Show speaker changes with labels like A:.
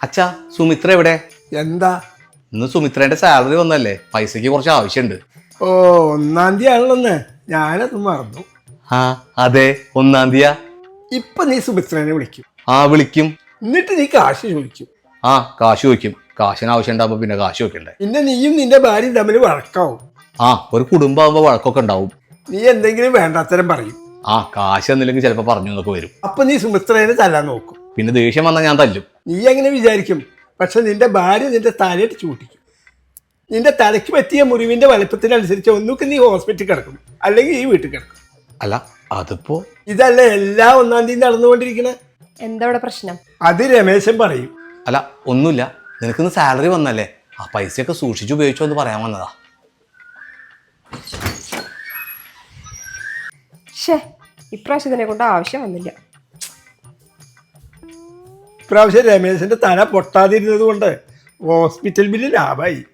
A: അച്ഛാ സുമിത്ര എവിടെ?
B: എന്താ?
A: ഇന്ന് സുമിത്രേന്റെ സാലറി വന്നല്ലേ, പൈസക്ക് കുറച്ച് ആവശ്യമുണ്ട്.
B: ഓ, 1-ാം തീയതി ആണല്ലോന്ന്, ഞാനത് മറന്നു.
A: ആ അതെ, 1-ാം തീയതി.
B: ഇപ്പൊ നീ സുമിത്രനെ വിളിക്കും,
A: ആ വിളിക്കും.
B: എന്നിട്ട് നീ കാശ് ചോദിക്കും.
A: ആ കാശ് ചോദിക്കും. കാശിന് ആവശ്യം ഉണ്ടാവുമ്പോ പിന്നെ കാശ് വെക്കണ്ടേ?
B: പിന്നെ നീയും നിന്റെ ഭാര്യയും തമ്മിൽ വഴക്കാവും.
A: ആ ഒരു കുടുംബമാകുമ്പോ വഴക്കൊക്കെ ഉണ്ടാവും.
B: നീ എന്തെങ്കിലും വേണ്ടാത്തരം പറയും.
A: ആ കാശ് എന്നില്ലെങ്കിൽ ചിലപ്പോ പറഞ്ഞു എന്നൊക്കെ വരും.
B: അപ്പൊ നീ സുമിത്രനെ തല്ലാൻ നോക്കും.
A: പിന്നെ ദേഷ്യം വന്നാൽ ഞാൻ തല്ലും.
B: നീ എങ്ങനെ വിചാരിക്കും? പക്ഷെ നിന്റെ ഭാര്യ നിന്റെ തലയിട്ട് ചൂട്ടിക്കും. നിന്റെ തലയ്ക്ക് പറ്റിയ മുറിവിന്റെ വലുപ്പത്തിനനുസരിച്ച് ഒന്നുകിൽ നീ ഹോസ്പിറ്റലിൽ കിടക്കും, അല്ലെങ്കിൽ ഈ വീട്ടിൽ കിടക്കും.
A: അല്ല അതിപ്പോ
B: ഇതല്ല എല്ലാ 1-ാം തീയതി നടന്നുകൊണ്ടിരിക്കണ.
C: എന്താ ഇവിടെ പ്രശ്നം?
B: അത് രമേശൻ പറയും.
A: അല്ല ഒന്നുമില്ല, നിനക്കിന്ന് സാലറി വന്നല്ലേ, ആ പൈസയൊക്കെ സൂക്ഷിച്ചു ഉപയോഗിച്ചോ എന്ന് പറയാൻ വന്നതാ.
C: ഇപ്രാവശ്യം ഇതിനെ കൊണ്ട് ആവശ്യം വന്നില്ല.
B: ഇപ്രാവശ്യം രമേശന്റെ തല പൊട്ടാതിരുന്നത് കൊണ്ട് ഹോസ്പിറ്റൽ ബില്ല് ലാഭമായി.